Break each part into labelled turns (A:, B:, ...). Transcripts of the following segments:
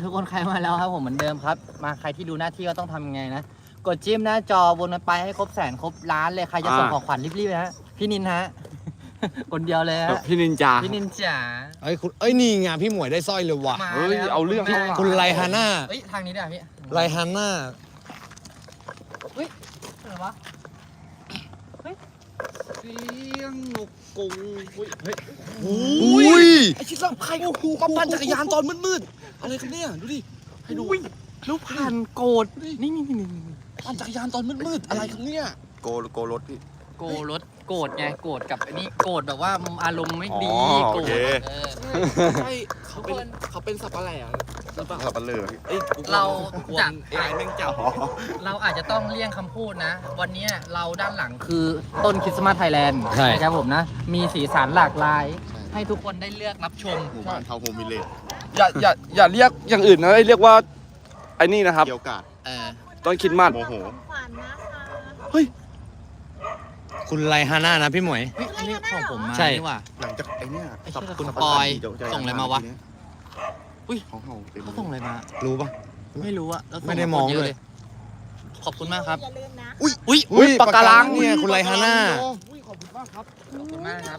A: ทุกคนใครมาแล้วครับผมเหมือนเดิมครับมาใครที่ดูหน้าที่ก็ต้องทำยังไงนะกดจิ้มหน้าจอวนไปให้ครบแสนครบล้านเลยใครจะส่งของขวัญรีบๆนะฮะพี่นินฮะ คนเดียวเลยฮะ
B: พี่นินจา
A: พี่นินจ๋า
C: นี่ไงพี่หมวยได้สร้อยเลยว่ะ
A: มา
B: เฮ้ย
A: แล้ว
B: เอาเรื่องเข้ามา
C: คุณไลฮาน่า
A: เฮ้ยทางนี้ด้วยพี่
C: ไลฮาน่า
A: อะไรวะ
B: เสียงนกกงเฮ้ย
C: อุ้ย
B: ไอชิซังใครก็ปั่นจักรยานตอนมืดๆอะไรกันเนี่ยดูดิให้ดู
A: ลูกพันโกดนี่
B: ปั่นจักรยานตอนมืดๆอะไรครับเนี่ยโกรถพี่
A: โกรถโกรธไงโกรธกับอันนี้โกรธแบบว่าอารมณ์ไม่ดี
B: อ๋อ
A: โกร
B: โอ
A: ธ
B: เค
A: เออ
B: ใช่เขาเป็นสับอะไรอ่ะสับปะเลอพี่เอ้ย
A: เราจะ
B: ไอ้แม่งจับ
A: เราอาจจะต้องเลี่ยงคำพูดนะ วันนี้เราด้านหลังคือต้นคริสต์มาสไทยแลนด์นะครับผมนะ มีสีสันหลากหลาย ให้ทุกคนได้เลือกรับชม
D: หมู่บ้านเทาโฮมวิลเลจ
B: อย่าเรียกอย่างอื่นนะเรียกว่าไอ้นี่นะครับ
D: เกี่ยวกาด
A: เออ
B: ต้นคริดมัด
D: โมโห
E: ขวัญนะคะ
B: เฮ้ย
C: คุณไลฮาน่านะพี่หมวย
A: เฮ้ยอันนี้ของผมมา
C: ใช่
A: นี่ว่ะ
D: หลังจากไอ้เนี่ย
A: ไอ้เชี่ย
D: สับ
A: คุณ
D: สับ
A: ปอย
D: เดี๋วจ
A: ส่งอะไรมาวะ อุ้ย
D: ของเฮาต็ม
A: เขาส่งอะไรมา
C: รู้ปะ
A: ไม่รู้อะแล้วส่
C: ไม่ได้มอง
A: าเยอะ
C: เลย
A: ขอบคุณมากครับ
E: อย่าลืมนะ
A: อุ้ย
B: ปากการัง
C: เนี่ยคุณไลฮาน่า
B: อุ้ยขอบคุณมากครับ
A: ขอบคุณมากครับ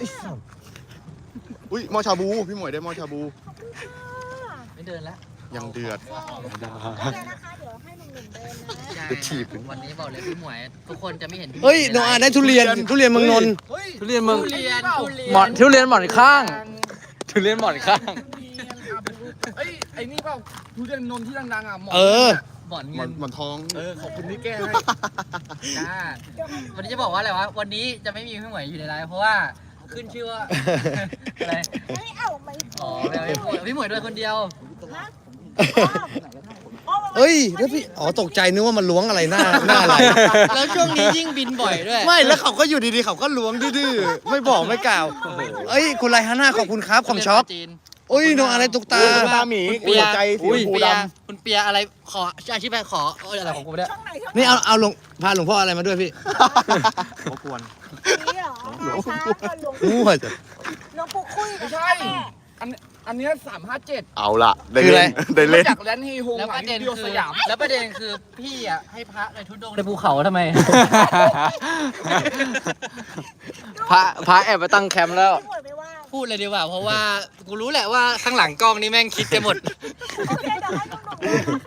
D: อุ้ยหมอชาบูพี่หมวยได้หมอชาบู
A: ไม่เดินแล้ว
D: ยังเดือด
E: ได้นะคะเดี๋ยวให้หนุ่มๆเดินนะ
D: จะถีบ
A: วันนี้บอกเลยพี่หมวย ทุกคนจะไม่เห็นพี่
C: เฮ้ย
A: หม
C: โน
A: ว
C: อา
A: ในไล
C: ได้
A: ฟ์
C: ทุเรียนเมืองนนท์
B: ทุเรียนมึง
A: ทุเรียน
B: หมอนทุเรียนหมอนข้าง ทุเรียนหมอนข้าง เอ้ยไอ้นี่เปล่าทุเรียนนนท์ที่ดังๆอ่ะหมอน
C: เออ
A: บ่อน
D: หม
A: เงิ
D: อน
A: น
D: หมอนทอง
B: ขอบคุณที่แก้ให้
A: จ้าวันนี้จะบอกว่าอะไรวะ วันนี้จะไม่มีพี่หมวยอยู่ในไลฟ์เพราะว่าขึ้นชื่อว่า อะไร
E: ไม่เอาไม่
A: อ๋อไม่เอาพี่หมวยด้วยคนเดียว
C: เฮ้ยแล้วพี่ตกใจนึกว่ามันล้วงอะไรหน้าอะไร
A: แล้วช่วงนี้ยิ่งบินบ่อยด้วย
C: ไม่แล้วเขาก็อยู่ดีๆเขาก็ล้วงดื้อๆไม่บอกไม่กล่าวเอ้ยคุณไลฮาน่าขอบคุณครับของช็อป
A: จีน
C: โอ้ยโนอาได้ตุกตา
D: ตาหมี
A: คุณเปีย
D: หัวใจสีชมพู
A: คุณเปีย
D: ด
A: คุณเปียอะไรขออาชีพอะไรขออะไรของกูเนี่ย
E: ช่องไหนช่องไหน
C: นี่เอาหลวงพาหลวงพ่ออะไรมาด้วยพี่
D: ำเขาควร
E: นี่เหรอช้าก่อนหลวง
C: มั่วจ้ะ
E: หลวงปู่คุย
B: ไม่ใช่ อันเนี้ย357
D: เอาละได้
C: คืออะไร
D: เล่นได้เล่น
B: จากแลนด์เฮโฮง
A: แล้วประเด็น
B: เดียว
A: คื
B: ส
A: อย
B: าม
A: แล้วประเด็นคือพี่อ่ะให้พระในทุดงค์ในภูเขาทำไม
B: พระแอบไปตั้งแคมป์แล้ว
E: ไม่หมดไม่ว่า
A: พูดเลยดีกว่าเพราะว่ากูรู้แหละว่าข้างหลังกล้องนี่แม่งคิดกันหมด
E: โอเคเดี๋ยวให้หนุ่มๆเดินนะคะ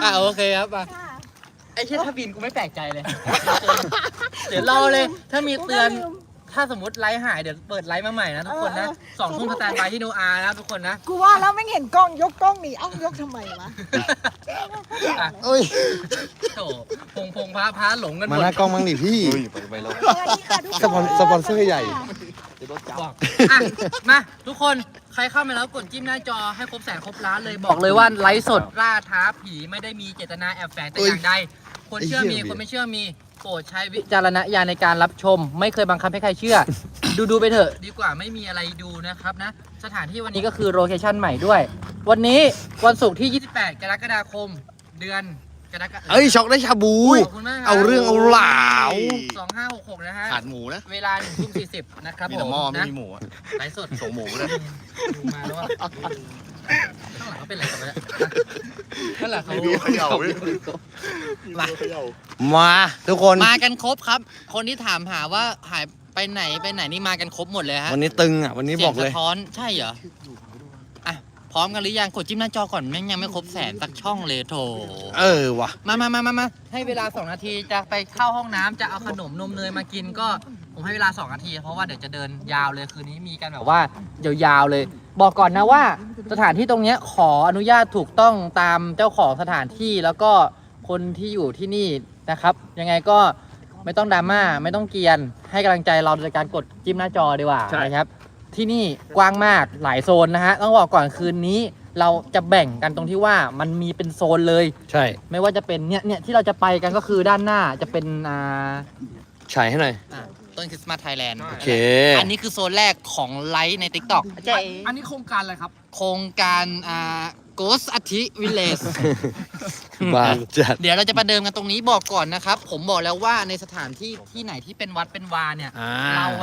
A: โอเคครับมา
E: ค่ะ
A: ไอ้เชี่ยถ้าบินกูไม่แปลกใจเลย เดี๋ยวรอเลย ถ้ามีเตือนถ้าสมมติไลฟ์หายเดี๋ยวเปิดไลฟ์มาใหม่นะทุกคนนะ2 ทุ่มสแตนบายที่โนอานะทุกคนนะ
E: กูว่าแล้วไม่เห็นกล้องยกกล้องหนีเอ้ายกทำไมวะ
A: อ่ะ
C: เอ้ย
A: โถพงพระหลงกันห
C: มาม
A: ด
C: หน้ากล้องมั้งดิพี่
D: เฮ้ยไปแล้ว
E: สวัสดีค่ะทุกคน
C: สปอนเซอร์ใหญ่
A: บอกอ่ะมาทุกคนใครเข้ามาแล้วกดจิ้มหน้าจอให้ครบแสนครบล้านเลยบอกเลยว่าไลฟ์สดล่าท้าผีไม่ได้มีเจตนาแอบแฝงแต่อย่างใดคนเชื่อมีคนไม่เชื่อมีโปรดใช้วิจารณญาณในการรับชม ไม่เคยบังคับให้ใครเชื่อ ดูไปเถอะดีกว่าไม่มีอะไรดูนะครับนะสถานที่วันนี้ก็คือโลเคชั่นใหม่ด้วย วันนี้วันศุกร์ที่ 28 กรกฎาคม เดือนกรกฎาคม
C: เอ้ยช็อกได้ชาบู
A: ขอบคุณมากคบ
C: เอาเรื่องเอาราว
A: 2566 นะฮะ
D: ขาดหมูนะ
A: เวลา1 ทุ่ม 40 นะครับ
D: มี
A: ผ
D: แต่
A: ม
D: หม้อไม่
A: นะ
D: มีหมูอะ
A: ไลฟ์สด
D: ส่งหมูเลย
A: ดูมาแล้วว่าข้างหลังเขาเป็นอะไรกันวะเนี่ยข้างหลังเขา
D: มีเขย่าเว้ย
A: มา
D: เขย่า
C: มาทุกคน
A: มากันครบครับ คนที่ถามหาว่าหายไปไหนนี่มากันครบหมดเลยฮะ
C: วันนี้ตึงอ่ะวันนี้บอกเลย
A: สีงสะท้อนใช่เหรออ่ะพร้อมกันหรือยังกดจิ้มหน้าจอก่อนแม่งยังไม่ครบแสนสักช่องเลยโถ
C: ว่ะ
A: มาให้เวลา2 นาทีจะไปเข้าห้องน้ำจะเอาขนมนมเนยมากินก็ผมให้เวลา2 นาทีเพราะว่าเดี๋ยวจะเดินยาวเลยคืนนี้มีกันแบบว่ายาวๆเลย บอกก่อนนะว่าสถานที่ตรงเนี้ยขออนุญาตถูกต้องตามเจ้าของสถานที่แล้วก็คนที่อยู่ที่นี่นะครับ ยังไงก็ไม่ต้องดราม่าไม่ต้องเกรียนให้กำลังใจเราโดยการกดจิ้มหน้าจอดีกว่า
B: ใช่
A: นะครับ ที่นี่กว้างมากหลายโซนนะฮะต้องบอกก่อนคืนนี้เราจะแบ่งกันตรงที่ว่ามันมีเป็นโซนเลย
C: ใช่
A: ไม่ว่าจะเป็นเนี่ยที่เราจะไปกันก็คือด้านหน้าจะเป็น
C: ฉายให้หน่อย
A: ต้นคริสต์มาสไทยแลนด์
C: โอเค
A: อันนี้คือโซนแรกของไลฟ์ใน TikTok
B: อันนี้โครงการอะไรครับ
A: โครงการGhost อาทิวิลเลจ
C: บาจัด
A: เดี๋ยวเราจะประเดิมกันตรงนี้บอกก่อนนะครับ ผมบอกแล้วว่าในสถานที่ที่ไหนที่เป็นวัดเป็นวาเนี่ย เราอะ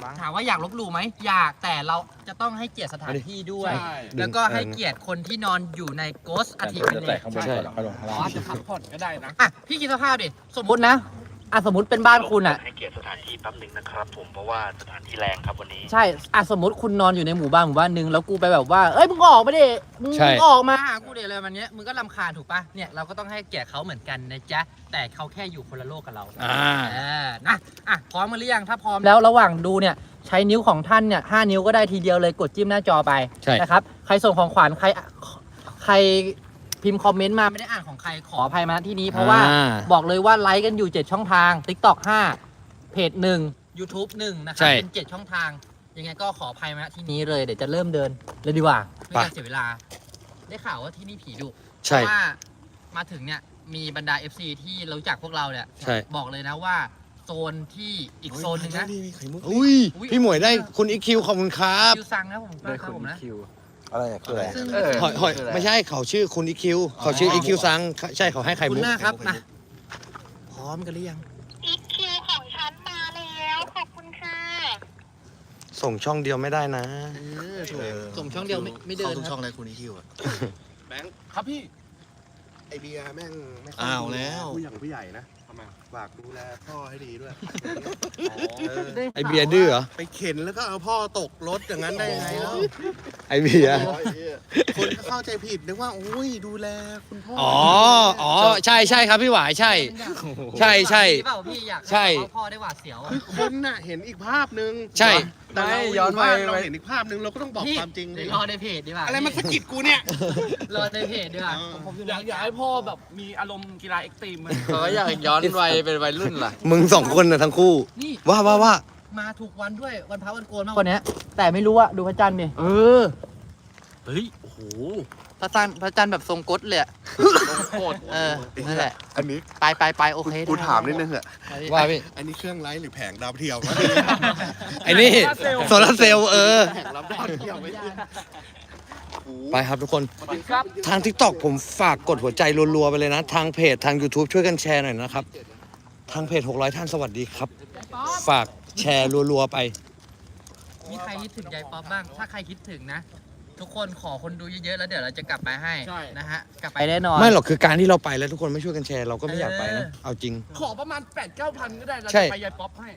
A: ถามว่าอยากลบหลู่ไหมอยากแต่เราจะต้องให้เกียรติสถานที่ด้วย
B: ใช่
A: แล้วก็ให้เกียรติคนที่นอนอยู่ใน Ghost อาทิตย์วิลเลจ
B: ใช่อาจจะพักผ่อนก็ได้นะ
A: อ่ะพี่คิดสภาพดิสมมุตินะอ่ะสมมติเป็นบ้านคุณอ่ะ
F: ให้เกียรติสถานที่แป๊บนึงนะครับผมเพราะว่าสถานที่แรงครับวันนี้
A: ใช่อ่ะสมมติคุณนอนอยู่ในหมู่บ้านหนึ่งแล้วกูไปแบบว่าเอ้ยมึงออกมาดิมึง
C: ใช่
A: ออกมาหากูเดี๋ยวอะไรมันเนี้ยมึงก็รำคาญถูกปะเนี่ยเราก็ต้องให้เกียรติเขาเหมือนกันนะจ๊ะแต่เขาแค่อยู่คนละโลกกับเรา นะอ่ะพร้อมมาหรือยังถ้าพร้อมแล้วระหว่างดูเนี่ยใช้นิ้วของท่านเนี่ย5 นิ้วก็ได้ทีเดียวเลยกดจิ้มหน้าจอไป
C: ใช่
A: นะครับใครส่งของขวัญใครพิมพ์คอมเมนต์มาไม่ได้อ่านของใครขออภัยมาที่นี้เพราะว่าบอกเลยว่าไลค์กันอยู่7ช่องทาง TikTok 5เพจ1 YouTube 1นะครับเป็น7ช่องทางยังไงก็ขออภัยมาที่นี้เลยเดี๋ยวจะเริ่มเดินเลยดีกว่าไม่การเสียเวลาได้ข่าวว่าที่นี่ผีดุเพ
C: ใช่
A: ราะว่ามาถึงเนี่ยมีบรรดา FC ที่รู้จักพวกเราเนี่ย
C: ใช่
A: บอกเลยนะว่าโซนที่อีกโซนหนึ่งนะ
C: อุ้ยพี่หมวยได้คุณอีคิวขอบคุณครับ
A: คิวซังนะผมครับผมนะ
D: อะไรคืออะไร
A: ซึ่ง
C: หอยไม่ใช่เขาชื่อคุณอีคิวเขาชื่ออีคิวซังใช่เขาให้ไข่
A: คุ
C: มุ
A: ณ
C: ก
A: หน้าครับมาพร้อมกันหรือยัง
E: อีคิวของฉันมาแล้วขอบคุณค่ะ
C: ส่งช่องเดียวไม่ได้นะ
A: ส่งช่องเดียวไม่เดิน
D: ทุก
A: ค
D: ช่
A: รั
D: อบ งเลยคุณอีคิวอะ
B: ครับพี่
D: ไอเบียร์แม่งไม่ค่ย
C: อ้าวแล้ว
D: ผู้อย่างผู้ใหญ่นะทำไมฝากดูแลพ่อให้ดีด้วย
C: ไอเบียร์ดื้อเหรอ
D: ไปเข็นแล้วก็เอาพ่อตกรถอย่างนั้นได้ยังไงแล้ว
C: ไอเบียร์
D: คนก็เข้าใจผิดนึกว่าอุ้ยดูแลคุณพ่อ
C: อ๋อใช่ใช่ครับพี่หวายใช่ ใช่ใช่
A: เปล่าพี่อยาก
C: ใช่
A: ให้พ่อได้หวาดเสียวอะ
D: คือคนน่ะเห็นอีกภาพนึง
C: ใช่
D: แต่เรา
B: ย้อนไป
D: เราเห็นอีกภาพนึงเราก็ต้องบอก
A: พี่
D: ความจริง
A: เดี๋
D: ดิ
A: ยวรอในเพจดีกว่า
D: อะไรมาสะกิดกูเนี่ย
A: รอในเพจดีกว่า
B: ผมอยากให้พ่อแบบมีอารมณ์กีฬาเอ็กซ์ตรีม
G: เขาอยากย้อนวัยเป็นวัยรุ่นล่ะ
C: มึงสองคนน่ะทั้งคู่
A: นี่
C: ว่า
A: มาถูกวันด้วยวันพระวันโกนมากวันเนี้ยแต่ไม่รู้อะดูพระจันทร์ดิ
B: เออ เฮ้ย โอ้โห
A: พระจันทร์แบบทรงกดเลยอะ
B: โคตร
A: เออนั่นแหละ
D: อันนี้
A: ไปโอเค
D: กูถามนิดนึงเหอะ
C: ว่าพี่
D: อันนี้เครื่องไลท์หรือแผงดาวเทียมวะ
C: ไอ้นี่โซลาร์เซลล์
D: แผงรับดาวเทียมไม่ใช่
C: ไปครับทุกคน ทาง TikTok ผมฝากกดหัวใจรัวๆไปเลยนะ ทางเพจทาง YouTube ช่วยกันแชร์หน่อยนะครับ ทางเพจ600ท่านสวัสดีครับ ฝากแชร์รัวๆไป
A: มีใครคิดถึงยายป๊อปบ้าง ถ้าใครคิดถึงนะ ทุกคนขอคนดูเยอะๆแล้วเดี๋ยวเราจะกลับไปให้นะฮะกลับไปแน่นอน
C: ไม่หรอกคือการที่เราไปแล้วทุกคนไม่ช่วยกันแชร์เราก็ไม่อยากไปนะ เอาจริง
B: ขอประมาณ 8-9 พันก็ได้เรา
C: ใช่
B: จะไปยายป๊อปให้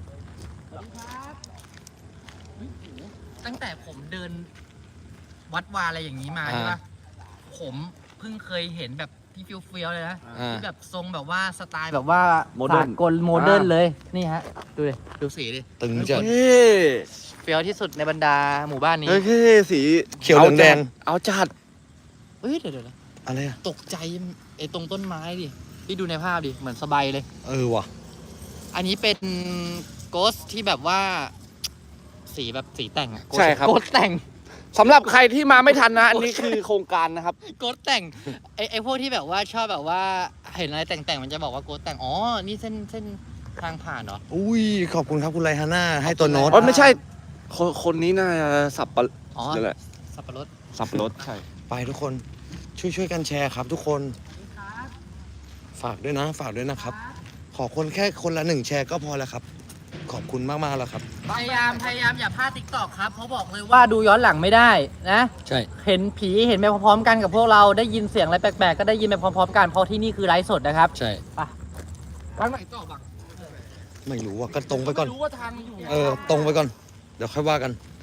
A: ตั้งแต่ผมเดินวัดวาอะไรอย่างนี้มา
C: อ่า
A: ใช่ปะผมเพิ่งเคยเห็นแบบที่เฟี้ยวๆเลยนะ
C: อ่า
A: ที่แบบทรงแบบว่าสไตล์แบบว่า
B: โมเดิร์น
A: สากลโมเดิร์นเลยนี่ฮะดูดิดูสีดิ
C: ตึงจัด
A: เฟี้ยวที่สุดในบรรดาหมู่บ้านนี้
G: เฮ้ยสี
C: เขียวเหลืองแดง
G: เอาจัด
A: เฮ้ยเดี๋ยว
C: อะไรอะ
A: ตกใจไอ้ตรงต้นไม้ดิที่ดูในภาพดิเหมือนสบายเลย
C: ว่ะ
A: อันนี้เป็นโกสที่แบบว่า สีแบบสีแต่งอะ
G: ใช่ครับ
A: โกสแต่ง
G: สำหรับใครที่มาไม่ทันนะ อันนี้คือโครงการนะครับ
A: โกสแต่งไอ้พวกที่แบบว่าชอบแบบว่าเห็นอะไรแต่งๆมันจะบอกว่าโกสแต่งอ๋อนี่เส้นทางผ่านเหรอ
C: อุ้ยขอบคุณครับคุณไรฮาน่าให้ตัวโน้ต
G: อ๋อไม่ใช่ คนนี้น่าจะสับปะ
A: อ๋อ
G: นั่นแหละ
A: สับปะรด
G: สับปะรดใช่
C: ไปทุกคนช่วยกันแชร์ครับทุกคนฝากด้วยนะครับ ขอคนแค่คนละ1แชร์ก็พอแล้วครับ ขอบคุณมากๆแล้วครับ
A: พยายามอย่าพลาดติ๊กตอกครับเพราะบอกเลยว่าดูย้อนหลังไม่ได้นะ
C: ใช่
A: เห็นผีเห็นไปพร้อมๆกันกับพวกเราได้ยินเสียงอะไรแปลกๆก็ได้ยินไปพร้อมๆกันเพราะที่นี่คือไลฟ์สดนะครับ
C: ใช่
B: ทางไหนต่อบัง
C: ไม่รู้ว่าก็ตรงไปก่อน
B: ม่รู้ว่าทางอยู่
C: ตรงไปก่อน เดี๋ยวค่อยว่ากัน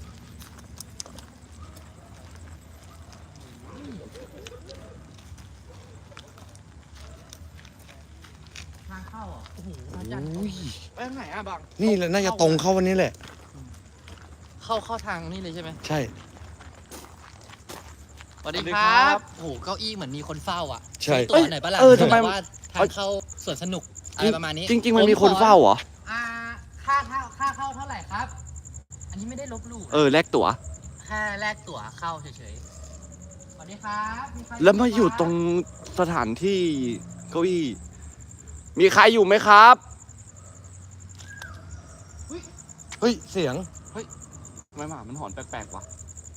A: ทางเข้าอ่ะโอ้โหพระจันทร์
B: ไปทางไหนอ่ะบัง
C: นี่แหละน่าจะตรงเข้าวันนี้แหละ
A: เข้าทางนี่เลยใช่ไหม
C: ใช่
A: สวัสดีครับโอ้โหเก้าอี้เหมือนมีคนเฝ้าอ่ะ
C: ใช่
A: ตัวไหนปะล่ะ
G: ทำไม
A: แบบว่าทางเข้าสวนสนุกอะไรประมาณนี้
G: จริง ๆ มันมีคนเฝ้าเหรอ
A: ค่าเข้าเท่าไหร่ครับ อันนี้ไม่ได้ลบหลู่นะ
G: แลกตั๋ว
A: แค่แลกตั๋วเข้าเฉยๆ สวัสดีครับใคร
G: แล้วมาอยู่ตรงสถานที่เก้าอี้ มีใครอยู่ไหมครับ
C: เฮ้ยเสียง
G: ทำไมหมามันหอนแปลกๆวะ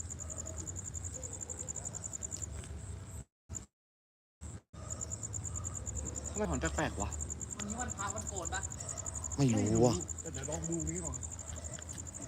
G: ทำไมหอนแปลกๆวะ
A: วันนี้วันพระวันโกนปะ
C: ไม่รู้ว่ะ
D: เดี๋ยวลองดูนี้ก่อน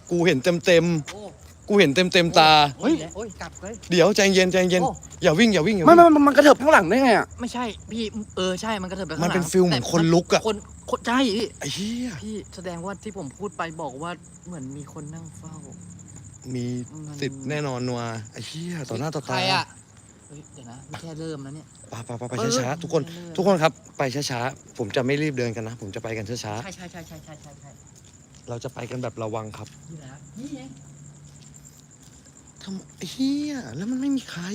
C: กูเห็นเต็ม
A: โอ้
C: ๆกูเห็นเต็มตา
A: โอ้ยโอ้ยกลับเลย
C: เดี๋ยวใจเย็นใจเย็น
A: โอ้
C: อย่าวิ่งอย่าวิ่งอย่า
G: ไม่
C: วิ่ง
G: มันกระเถิบข้างหลังได้ไงอ่ะ
A: ไม่ใช่พี่ใช่มันกระเถิบไปข้างห
C: มั
A: ลั
C: น
A: ง
C: เป็นฟิลเหมือนคนลุกอะ
A: คนใช่พี่
C: ไอ้เหี้ย
A: พี่แสดงว่าที่ผมพูดไปบอกว่าเหมือนมีคนนั่งเฝ้า
C: มีสิทธิ์แน่นอนนัวไอ้เหี้ยต่อหน้าต่อ
A: ใค
C: ตาร
A: อ่ะเฮ้ยเดี๋ยวนะนี่แค่เริ่มแล้วเนี่ย
C: ไปช้าๆทุกคนทุกคนครับไปช้าๆผมจะไม่รีบเดินกันนะ ผมจะไปกันช้า
A: ใช่
C: ๆเราจะไปกันแบบระวังครับ
A: นี่นะนี่ไง
C: ทำไอ้เหี้ยแล้วมันไม่มีใคร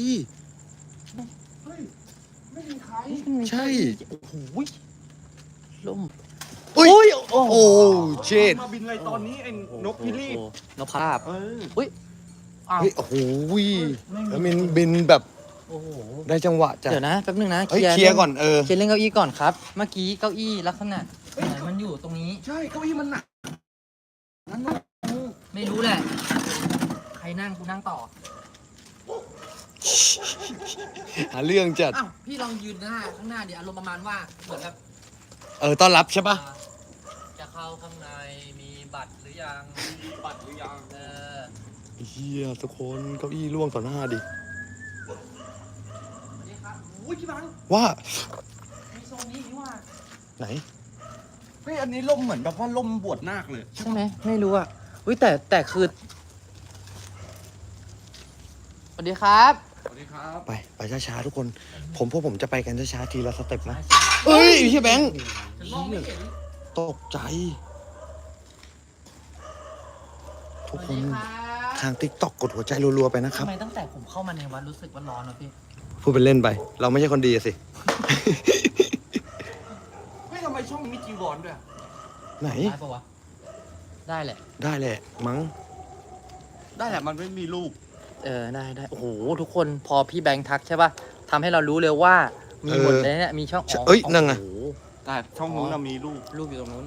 C: ใช่
A: โอ้โหล่ม
C: อุ้ยโอ้เจ็ด
G: มาบินอะไรตอนนี้ไอ้นกพิราบ
A: นกภาพอุ้ยอ้าว
C: เฮ้ยโอ้โหแล้วมินบินแบบ
A: โอ้โห
C: ได้จังหวะจ้ะ
A: เดี๋ยวนะแป๊บนึงนะ
C: เฮ้ยเคลียร์ก่อนเออ
A: เคลียร์เรื่องเก้าอี้ก่อนครับ เมื่อกี้เก้าอี้ลักษณะไหนมันอยู่ตรงนี้
G: ใช่เก้าอี้มันหนัก
A: ไม่รู้แหละ ใครนั่งกูนั่งต่อ
C: หาเรื่องจัด
A: อ้าวพี่ลองยืนข้างหน้าดิอารมณ์ประมาณว่าเหมือนแบบ
C: ต้อนรับใช่ปะ
A: จะเข้าข้างในมีบัตรหรือยังมีบัตรหรือยัง
C: ไอ้เหี้ยทุกคนเก้าอี้ล่วงต่อหน้าดิ
A: สวัสดีครับอุ้ยพี่บัง
C: ว่า
A: มีโซนนี้นี่ว่า
C: ไหน
G: เฮ้ยอันนี้ล่มเหมือนแบบว่าล่มบวชนาคเลย
A: ใช่ไหมไม่รู้อ่ะอุ้ยแต่คือสวัสดีครับ
G: สวัสดีครับ
C: ไปช้าๆทุกคนพวกผมจะไปกันช้าๆทีละสเต็ปนะเอ้ยพี่แบงค์
A: มองไม่เห็น
C: ตกใจ ทุกคน
A: สวัสดีรับ
C: ทางติ๊กต็อกกดหัวใจรัวๆไปนะครับ
A: ทำไมตั้งแต่ผมเข้ามาในวัดรู้สึกว่าร้อนนะพี่
C: พูดเป็นเล่นไป เราไม่ใช่คนดีอะสิ
G: เฮ้ยทำไมช่องมีจีวรด้วย
C: ไหน
A: ได้ปะวะได้แหละ
C: ได้แหละมั้ง
G: ได้แหละมันไม่มีรูป
A: ได้โอ้โหทุกคนพอพี่แบงค์ทักใช่ป่ะทำให้เรารู้เลยว่ามีหมดเลยเนี่ยมีช่อง
C: เอ้ยนั่งไง
A: โอ้โห
G: แต่ช่องนู้นน่ะมีรูป
A: รูปอยู่ตรงนู้น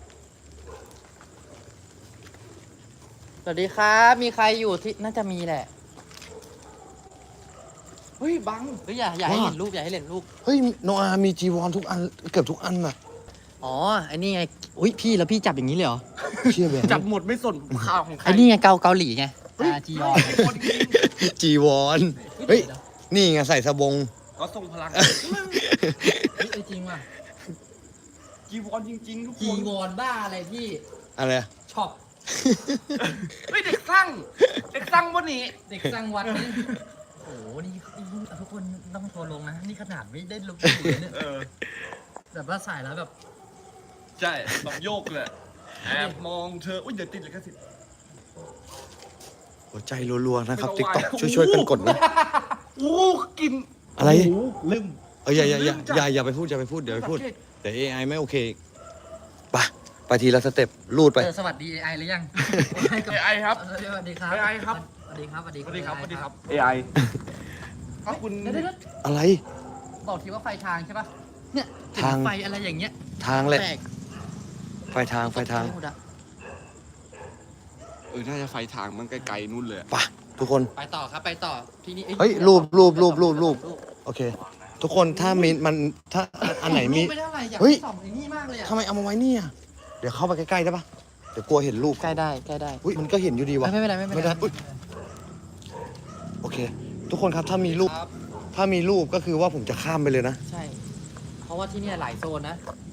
A: สวัสดีครับ มีใครอยู่ที่น่าจะมีแหละ
G: เฮ้ยบัง
A: เฮ้ยอย่าให้เห็นรูปอย่าให้เห็นรูป
C: เฮ้ยโนอามีจีวรทุกอันเกือบทุกอันน่ะ
A: อ๋อไอ้นี่ไงอุ้ยพี่แล้วพี่จับอย่างนี้เลยเหรอ
C: เชี่ยแบงค์
G: จับหมดไม่สนข่าวของใคร
A: ไอ้นี่ไงเกาหลีไงจียอน
C: จีวรเฮ้ยนี่ไงใส่สบง
G: ก็ทรงพลัง
A: เฮ้ยจริงว่ะ
G: จีวรจริงๆทุกค
A: จี
G: น
A: วอนบ้าอะไรพี่
C: อะไรอะ
A: ช็อป
G: เฮ้ยเด็กสร้างวันนี้
A: เด็กสร้างวัดนี่โอ้โหนี่ทุกคนต้องโทรลงนะนี่ขนาดไม่ได้ลงอยู่เลยเนี่ยแบบว่าใส่แล้วแบบ
G: ใช่แบบโยกเลยแอบมองเธออุ้ยเดี๋ยวติดเลยก็สิ
C: หัวใจรัวๆนะครับติ๊กต็อกช่วยๆกันกดนะ
G: โอ้กิน
C: อะไร
G: โโหลืม
C: อย่าไปพูดเดี๋ยวไปพูดเดี๋ยว AI ไม่โอเคไปทีละสเต็ปลูดไป
A: สวัสดี AI หรือยัง
G: AI ครับ
A: สวัสดีครับ
G: AI ครับ
A: สวัสดีครับ
G: สวัสดีครับ
A: AI
G: AI ก็คุณ
A: เดี๋ยว
C: อะไร
A: บอกทีว่าไฟทางใช่ปะเนี่ยเห็น
C: ทาง
A: ไฟอะไรอย่างเงี้ย
C: ทางแหละ
A: แปลก
C: ไฟทาง
A: หมดอะ
G: น่าจะไฟทางมันไกลๆนู่นเลย
C: ไปทุกคน
A: ไปต่อครับไปต่อทีนี้
C: เฮ้ยรูปโอเค ทุกคนถ้ามีมันถ้าอันไหนมี
A: รูปไม่เท่าไหร่อยาก
C: เฮ้ย
A: ส่องไอ้นี่มากเลยอะ
C: ทำไมเอามาไว้เนี่ยเดี๋ยวเข้าไปใกล้ๆได้ปะเดี๋ยวกลัวเห็นรูป
A: ใกล้ได้
C: อุ้ยมันก็เห็นอยู่ดีวะ
A: ไม่เป็นไรไม่เป็นไร
C: อุ๊ยโอเค ทุกคนครับถ้ามีรูปก็คือว่าผมจะข้ามไปเลยนะ
A: ใช่ เพราะว่าที่เนี่ยหลายโซนนะ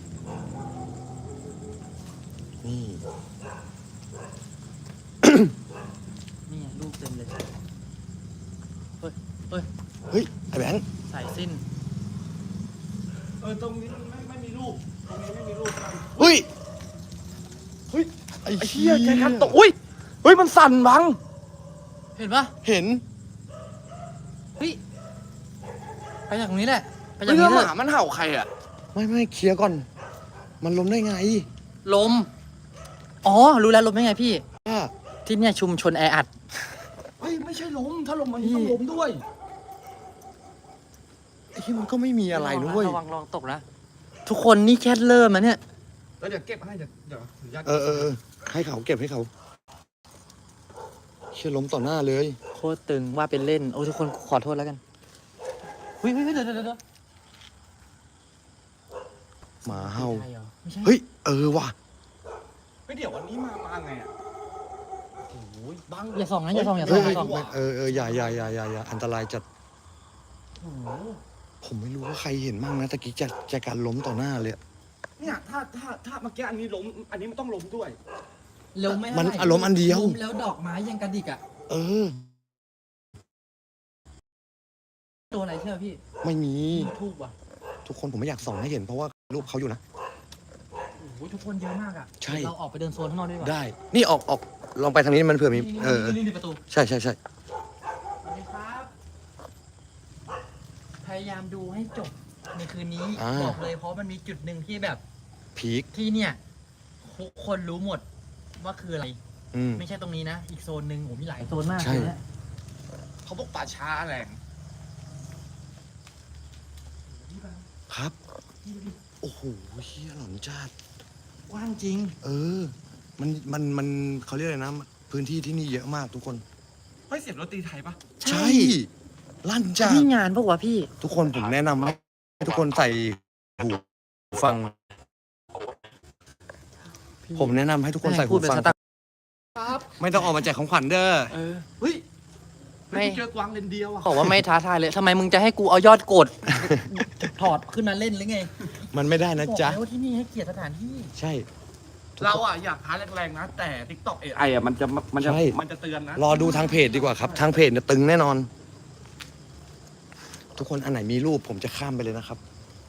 C: นี่
A: นี่รูปเต็มเลย
C: เฮ้ยไอ้แบงค์
A: สายสิ้น
G: ตรงนี้ไม่มีรูปตรงนี้ไม่มีรูปกัน
C: เฮ้ยไอ้
G: ไอ้
C: เหี้
G: เหี้
C: ย
G: ยใจกันตกอุ้ยเฮ้ยมันสั่นบัง
A: เห็นปะ
C: เห็น
A: เฮ้ยไปจากตรงนี้แหละไปจาก
G: เฮ้ย
A: นี้
G: แล้วห
A: เล
G: มาย มันเห่าใครอ่ะ
C: ไม่เคลียร์ก่อน มันล้มได้ไง
A: ลมอ๋อรู้แล้วลมได้ไงพี่
C: ว่า
A: ที่เนี่ยชุมชนแออัด
G: เฮ้ยไม่ใช่ล้มถ้าล้มมันต้องล้มด้วย
C: ไอ้ที่มันก็ไม่มีอะไรนะเว้ย
A: ระวังลองตกนะ ทุกคนนี่แค่เริ่มนะเนี่ย
G: แล้วเดี๋ยวเก็บให้เดี๋ยวยัด
C: เออให้เขาเก็บให้เขาเชี่ยล้มต่อหน้าเลย
A: โคตรตึงว่าเป็นเล่น โอ้ทุกคนขอโทษแล้วกันเฮ้ยเดี๋ยว
C: หมาเห่า
A: ใช่เหรอไม่ใช่
C: เฮ้ยว่ะ
G: เฮ้ยเดี๋ยววันนี้มาไงอ่ะ
B: บัง
A: อย่าส่องนะอย่าส่องอย่าส่องอย่าส่อง
C: อย่าอันตรายจัดผมไม่รู้ว่าใครเห็นมั่งนะตะกี้จะการล้มต่อหน้าเลยอะ
G: เนี่ยถ้าเมื่อกี้อันนี้ล้มอันนี้มันต้องล้มด้วย
A: เร็วไม่
C: มันอารมณ์อันเดียว
A: ล้มแล้วดอกไม้ยังกระดิกอ่ะ
C: เออ
A: ตัวอะไรเชื่อพี่
C: ไม่มี
A: ทูบว่ะ
C: ทุกคนผมไม่อยากส่องให้เห็นเพราะว่ารูปเขาอยู่นะ
A: โอ้โหทุกคนเยอะมากอ่ะ
C: ใช่
A: เราออกไปเดินโซนข้างนอกดีกว่า
C: ได้ นี่ออกลองไปทางนี้มันเผื่อมี
A: นี่ประตู
C: ใช่
A: สวัสดีครับ พยายามดูให้จบในคืนนี้
C: อ่า
A: บอกเลยเพราะมันมีจุดหนึ่งที่แบบ
C: พีค
A: ที่เนี่ยทุกคนรู้หมดว่าคืออะไร
C: อืม
A: ไม่ใช่ตรงนี้นะ อีกโซนหนึ่งโอ้มีหลายโซนมาก
C: ใช่
A: เลยนะ
G: เขาบอกป่าช้าแรง
C: ครับ โอ้โหเฮียหลอนจัด
A: กว้างจริง
C: เออ มันเขาเรียกอะไรนะ พื้นที่ที่นี่เยอะมากทุกคน
G: เฮ้ยเสียงดนตรีไทยปะ
C: ใช่ ลั่นจัด
A: นี่งานปะวะพี่
C: ทุกคนผมแนะนำให้ทุกคนใส่หูฟัง ผมแนะนำให้ทุกคนใส่หูฟัง ไม่ต้องออกมาแจกของขวัญเด้อ
G: เฮ้ย
A: ไม่
G: เจอกวางเลนเดียวอ่ะ
A: บอกว่าไม่ท้าทายเลยทำไมมึงจะให้กูเอายอดกด ถอดขึ้นมาเล่นหรือไง
C: มันไม่ได้นะจ๊ะ
A: บอกแล้วว่าที่นี่ให้เกียรติสถานที่
C: ใช่
G: เราอ่ะอยากท้าแรงๆนะ แต่ TikTok AI อ่ะมันจะ
C: ใช่
G: มันจะเตือนนะ
C: รอดูทางเพจดีกว่าครับ ทางเพจเนี่ยตึงแน่นอน ทุกคนอันไหนมีรูปผมจะข้ามไปเลยนะครับ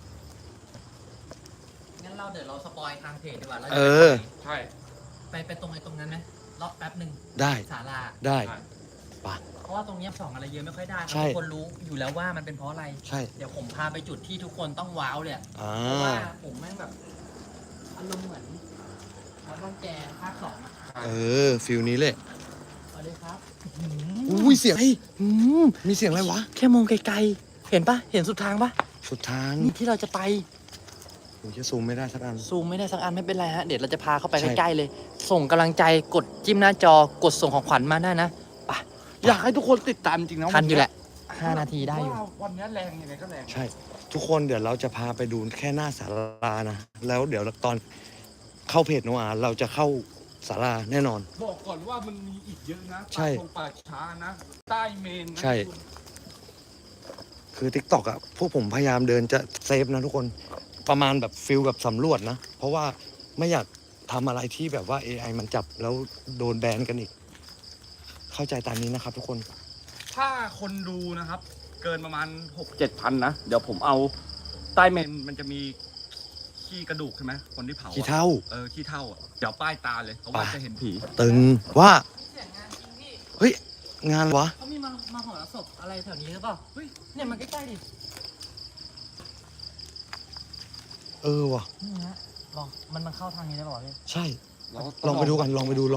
A: งั้นเราเดี๋ยวเราสปอยทางเพจดีกว่าแล้ว
C: เออ
G: ใช่
A: ไปตรงนั้นไหมรอบแป๊บหนึ่ง
C: ได้
A: ศาลา
C: ได้
A: เพราะว่าตรงเนี้ยส่องอะไรเยอะไม่ค่อยได้
C: ใช่
A: ทุกคนรู้อยู่แล้วว่ามันเป็นเพราะอะไร
C: ใช่
A: เดี๋ยวผมพาไปจุดที่ทุกคนต้องว้าวเลยอะ
C: อ่า
A: เพราะว่าผมแม่งแบบอารมณ์เหมือนวัดบ้านแกภาค 2อะ
C: เออฟิลนี้เลย
A: สวัสดีครับ
C: อุ้ยเสียงเฮ้ยมีเสียงอะไรวะ
A: แค่มองไกลๆ เห็นปะเห็นสุดทางปะ
C: สุดทาง
A: นี่ที่เราจะไป
C: ผมจะซูมไม่ได้สักอัน
A: ซูมไม่ได้สักอันไม่เป็นไรฮะ เดี๋ยวเราจะพาเข้าไป
C: ใช่
A: ใกล้ๆเลย ส่งกำลังใจกดจิ้มหน้าจอกดส่งของขวัญมาได้นะไป
G: อยากให้ทุกคนติดตามจริงนะ
A: ทันอยู่แหละ 5 นาทีได้อยู่
G: ว่าวันนี้แรงยังไงก็แรง
C: ใช่ ทุกคนเดี๋ยวเราจะพาไปดูแค่หน้าศาลานะ แล้วเดี๋ยวตอนเข้าเพจโนอาเราจะเข้าศาลาแน่นอน
G: บอกก่อนว่ามันมีอีกเยอะนะ
C: ใช่
G: ป่าช้านะ ใต้เมนนะ
C: ใช่ คือ TikTok อ่ะพวกผมพยายามเดินจะเซฟนะทุกคนประมาณแบบฟิลแบบสำรวจนะ เพราะว่าไม่อยากทำอะไรที่แบบว่า AI มันจับแล้วโดนแบนกันอีก เข้าใจตามนี้นะครับทุกคน
G: ถ้าคนดูนะครับ เกินประมาณ 6-7 พันนะ เดี๋ยวผมเอาใต้เมนมันจะมีขี้กระดูกใช่ไหมคนที่เผาอะ
C: ขี้เท่า
G: ขี้เท่าอ่ะเดี๋ยวป้ายตาเลยเขาว่า
C: ไป
G: จะเห็นผี
C: ตึงว่า
A: เสียงงานจริงพี่
C: เฮ้ย งานวะ
A: เขามีมาหอศพอะไรแถวนี้หรือเปล่า เฮ้ย เนี่ยมันใกล้ๆดิ
C: เออว่ะ
A: นี่ฮะลองมันเข้าทางนี้ได้เปล่าวะพี่
C: ใช่ ลองไปดูกันลองไปดู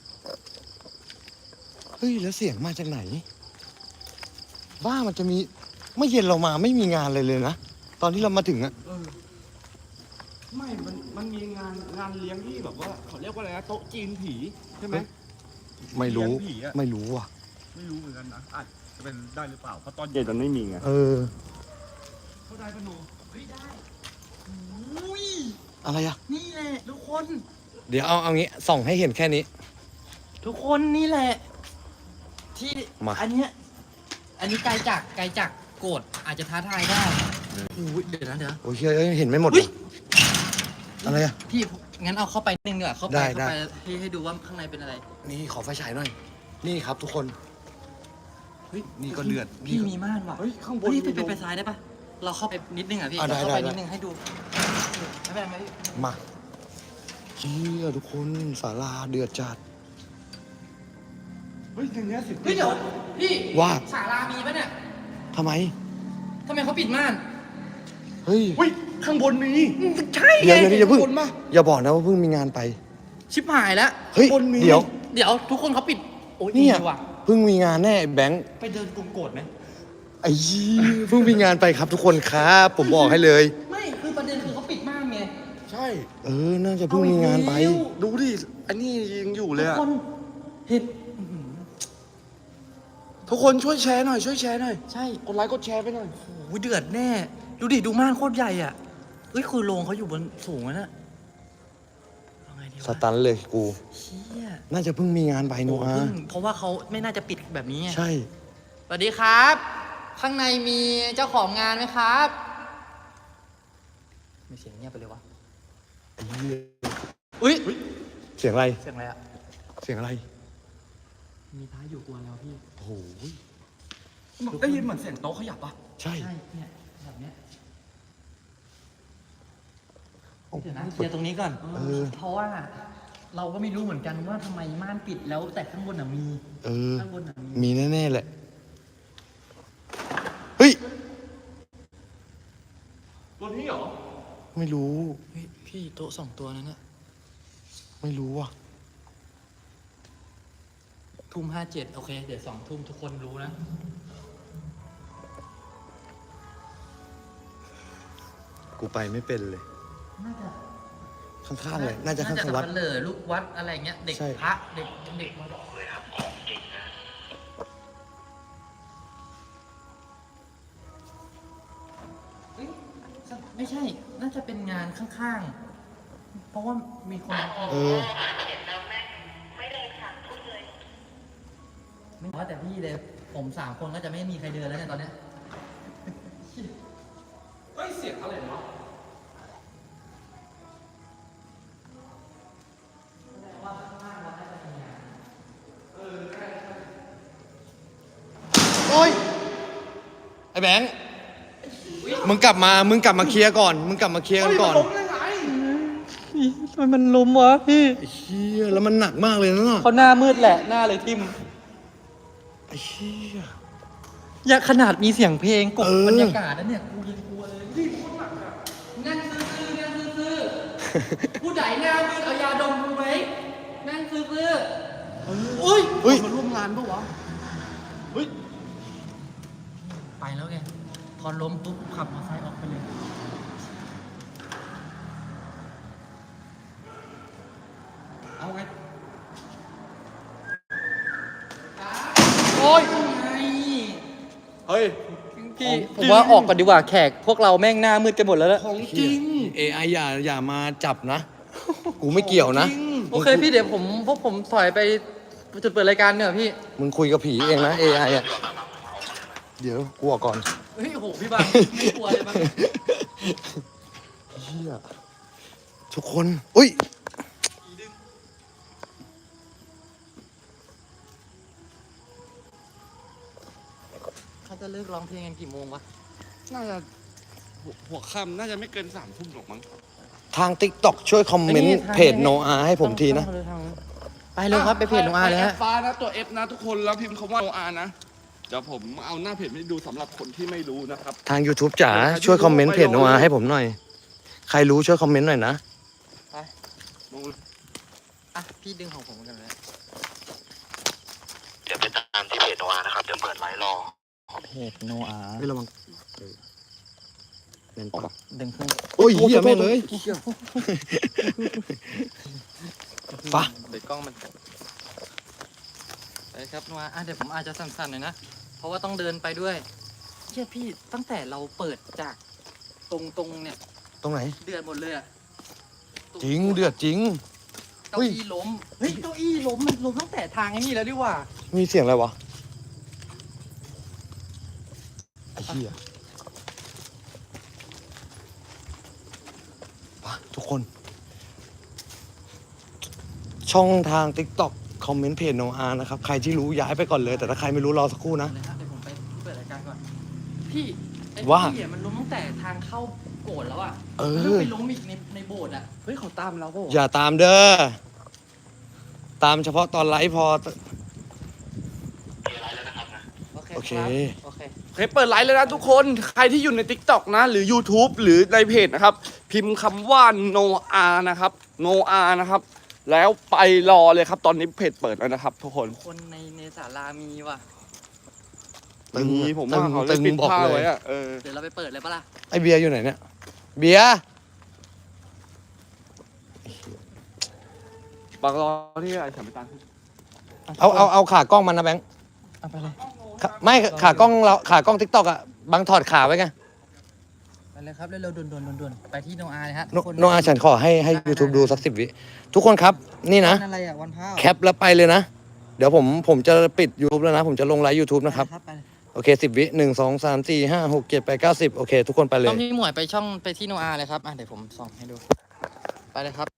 C: เฮ้ยแล้วเสียงมาจากไหนว่ามันจะมีเมื่อเย็นเรามาไม่มีงานเลยนะตอนที่เรามาถึงอะ
G: ไม่มันมีงานเลี้ยงที่แบบว่าเขาเรียกว่าอะไรนะโต๊ะจีนผีใช่ไหม
C: ไม่รู้
G: เลี้ยงผีอะ
C: ไม่รู้ว่ะ
G: ไม่รู้เหมือนกันนะอาจจะเป็นได้หรือเปล่าเพราะตอนเย็นมันไม่มีไง
C: เออ
G: เขาได้ปะโน
A: เฮ้ยได้อุ้ย
C: อะไรอะ
A: นี่แหละทุกคน
C: เดี๋ยวเอางี้ส่องให้เห็นแค่นี้
A: ทุกคนนี่แหละ ที่
C: มา
A: อันนี้ไกลจากโกรธอาจจะท้าทายได้อุ้ยเดี๋ยวนะเดี๋ยว
C: โอ้ยเฮ้ยเห็นไม่หมด
A: เฮ้ย
C: อะไรอะ
A: พี่งั้นเอาเข้าไปนิดนึงดีกว่าเข้าไป
C: ได้
A: เข้า
C: ได้
A: ไปให้ดูว่าข้างในเป็นอะไร
C: นี่ขอไฟฉายหน่อย นี่ครับทุกคน
A: เฮ้ย
C: นี่ก็เดือด
A: พี่มีม่านว่ะ
G: เฮ้ยข้างบน
A: เฮ้ย
G: มี
A: ไปซ้ายได้ปะเราเข้าไปนิดนึงอ่ะพี่
C: อ่ะ
A: เราเข้าไป
C: ได้
A: นิดนึงให้ดูไม่เป็นไรไหมพี่
C: มาเชี่ยทุกคนศาลาเดือดจัด
G: เฮ้ยอย่างเงี้ยสิ
A: เฮ้ยเดี๋ยวพี่
C: ว่า
A: ศาลามีปะเนี่ย
C: ทำไม
A: ทำไมเขาปิดม่าน
C: เฮ้ย
G: เฮ้ยข้างบนมี
A: ใช่
C: เดี๋ยวอย่าเพิ่ง
G: ข้างบนมา
C: อย่าบอกนะว่าเพิ่งมีงานไป
A: ชิบหายแล้ว
C: เฮ้ย
G: บนมี
C: เดี๋ยว
A: เดี๋ยวทุกคนเขาปิดโอ้ย
C: เนี่ย
A: ดีว่ะ
C: เพิ่งมีงานแน่แบงค์
A: ไปเดินกรุงโกรธไหม
C: ไอ้ยี่เพิ่งมีงานไปครับทุกคนครับ ผมบอกให้เลย
A: ไม่คือประเด็นคือเขาปิดม่านไง
G: ใช่
C: เออ น่าจะเพิ่งมีงานไป
G: ดูดิอันนี้ยังอยู่เลย
A: ทุก
G: อะ
A: คนเห็น
G: ทุกคนช่วยแชร์หน่อยช่วยแชร์หน่อย
A: ใช่
G: กดไลค์กดแชร์ไปหน่อย
A: โอ้ยเดือดแน่ ดูดิดูม่านโคตรใหญ่อ่ะเอ้ยคือโรงเขาอยู่บนสูงอะนะเอาไง
C: สตันเลยกู
A: เชี่ย
C: น่าจะเพิ่งมีงานไบโนอา
A: เพราะว่าเขาไม่น่าจะปิดแบบนี้ไง
C: ใช่
A: สวัสดีครับ ข้างในมีเจ้าของงานไหมครับไม่เสียงเงียบไปเลยวะอุ้ย
C: เสียงอะไร
A: เสียงอะไรอะ
C: เสียงอะไร
A: มีพระอยู่กวนแล้วพี่
C: โอ้โห
G: ได้ยินเหมือนเสียงโต๊ะขยับปะ
C: ใช่
A: ใช่เนี่ยแบบเนี้ยเดี๋ยวนะเคลียร์ตรงนี้ก่อน เพราะว่าเราก็ไม่รู้เหมือนกันว่าทำไมม่านปิดแล้วแต่ข้างบนมี
C: เออ
A: ข้างบนมี
C: มีแน่ๆแหละ เฮ้ย
G: ตัวนี้เหรอ
C: ไม่รู้
A: เฮ้ยพี่โต๊ะ2 ตัวนั้นอะ
C: ไม่รู้ว่ะ
A: 19:57โอเคเดี๋ยว20:00ทุกคนรู้นะ
C: กูไปไม่เป็นเลย
A: น่าจะ
C: ข้างๆเลย น่าจะข้างๆวัด
A: สับปะเหร่อลูกวัดอะไรเงี้ยเด็ก
C: ใช่
A: พระเด็กมา
F: เลยครับของจริงนะ
A: เอ้ยไม่ใช่ น่าจะเป็นงานข้างๆ เพราะว่ามีคน
C: เออ
A: ไม่ว่าแต่พี่เลยผม3 คนก็จะไม่มีใครเดินแล้วเนี่ยตอนเนี้ย
G: เฮ้ย เสียงอะไรวะ
C: โอ้ย ไอ้แบงค์ มึงกลับมาเคลียร์ก่อน มึงกลับมาเคลียร์กันก่อน
A: มันล้มวะพี่
C: ไอ้เหี้ย แล้วมันหนักมากเลยนะน่ะ
A: เขาหน้ามืดแหละหน้าเลยทิม
C: ไอ้เหี้ย
A: อย่าขนาดมีเสียงเพลงกบ
C: เออ
A: บรรยากาศนะเนี่ยกูยังกลัวเลยนี่โคตรหนักอะนั่งซื่อผู้ใดหน้ามืดเอายาดมกูไหมนั่งซื่ออุ้ย
C: เฮ้ย
G: มาร่วมงานปะวะ เฮ้ย
A: ไปแล้วไงพอล้มปุ๊บขับมอเตอร์ไซค์ออกไปเลยเอาไงโอ้ยไง
G: เฮ้ย
A: พี่ผมว่าออกก่อนดีกว่าแขกพวกเราแม่งหน้ามืดกันหมดแล้วล่ะ
G: ของจริง
C: AI อย่ามาจับนะ กูไม่เกี่ยวนะ
A: โอเคพี่เดี๋ยวพวกผมถอยไปจุดเปิดรายการเนี่ยพี่
C: มึงคุยกับผีเองนะ AI อ่ะ เดี๋ยวกลัวก่อน
A: เฮ้ยโอ้โหพี่บังไม่กลัวเลยมั้ง
C: เหี้ย ทุกคน อุ้ย
A: เขาจะเลิกร้องเพลงกันกี่โมงวะ
G: น่าจะหัวค่ำน่าจะไม่เกิน3 ทุ่มหรอกมั้ง
C: ทาง TikTok ช่วยคอมเมนต์เพจโนอาให้ผมทีนะ
A: ไปเลยครับไปเพจโนอาเลยฮะ
G: แอปฟ้านะตัว F นะทุกคนแล้วพิมพ์คำว่าโนอานะเดี๋ยวผมเอาหน้าเพจให้ดูสำหรับคนที่ไม่รู้นะครับ
C: ทาง YouTube จ๋าช่วยคอมเมนต์เพจโนอาให้ผมหน่อย ใครรู้ช่วยคอมเมนต์หน่อยนะ
A: อ่ะพี่ดึงของผมกันเลย
F: เดี๋ยวไปตามที่เพจโนอานะครับ เดี๋ยวเปิดไลฟ์รอ
A: เพจโนอา
C: ไม่ระวังเล่นปะ
A: ดึงขึ้น
C: โอ้ยเหี้ยแม่งเลยปะ
A: เดี๋ยวกล้องมันไปครับโนอาอ่ะเดี๋ยวผมอาจจะสั่นๆหน่อยนะ เพราะว่าต้องเดินไปด้วยเชี่ยพี่ตั้งแต่เราเปิดจากตรงเนี่ย
C: ตรงไหน
A: เดือดหมดเลยอะ
C: จริงเดือดจริง
A: เก้าอี้ล้ม เฮ้ยเก้าอี้ล้มมันล้มตั้งแต่ทางไอ้นี่แล้วดิว่า
C: มีเสียงอะไรวะ ไอ้เหี้ยปะทุกคน ช่องทาง TikTok คอมเมนต์เพจโนอานะครับ ใครที่รู้ย้ายไปก่อนเลย แต่ถ้าใครไม่รู้รอสักครู่นะ
A: เลยฮะเดี๋ยวผมไปเปิดรายการก่อน พี่ไอ้
C: ว่า
A: พี่อะมันล้มตั้งแต่ทางเข้าโกรธแล้วอ่ะ
C: เออ
A: แล้วไปล้มอีกในโบสถ์อ่ะ
G: เฮ้ยเขาตามเราเปล่าวะ
C: อย่าตามเด้อ ตามเฉพาะตอนไลฟ์พอ
A: โอเค
C: โอเค
A: ครับโอเค
G: โอเคเปิดไลฟ์เลยนะทุกคนใครที่อยู่ใน TikTok นะ หรือ YouTube หรือในเพจนะครับ พิมพ์คำว่าโนอานะครับโนอานะครับ แล้วไปรอเลยครับ ตอนนี้เพจเปิดแล้วนะครับ ทุกคน
A: คนในศาลามีว่ะ
C: ตึง
G: มีผมว่าเขาเลยปิด
C: บอก
G: ผ้า
C: เลย
G: ไว้อะเออ
A: เดี๋ยวเราไปเปิดเลยปะล่ะ
C: ไอเบียร์อยู่ไหนเนี่ย เบียร์
G: บางรอที่ไอ้สามตาล
C: เอาขากล้องมันนะแบงค์
A: เอาไปเลย
C: ไม่ขากล้องเราขากล้อง TikTok อ่ะบังถอดขาไว้ไง
A: ไปเลยครับเร็วๆด่วนๆไปที่โนอาเลยฮะ
C: โนอาฉันขอให้ YouTube ดูสัก10 วิทุกคนครับนี่นะ
A: วันอะไรอ่ะวันพระ
C: แคปแล้วไปเลยนะ เดี๋ยวผมจะปิด YouTube แล้วนะ ผมจะลงไลฟ์ YouTube นะครับ
A: ไปเลย
C: โอเค10 วิ1 2 3 4 5 6 7 8 9 10โอเคทุกคนไปเล
A: ต้อย งพี่หมวยไปช่องไปที่โนอาเลยครับเดี๋ยวผมส่องให้ดูไปเลยครับ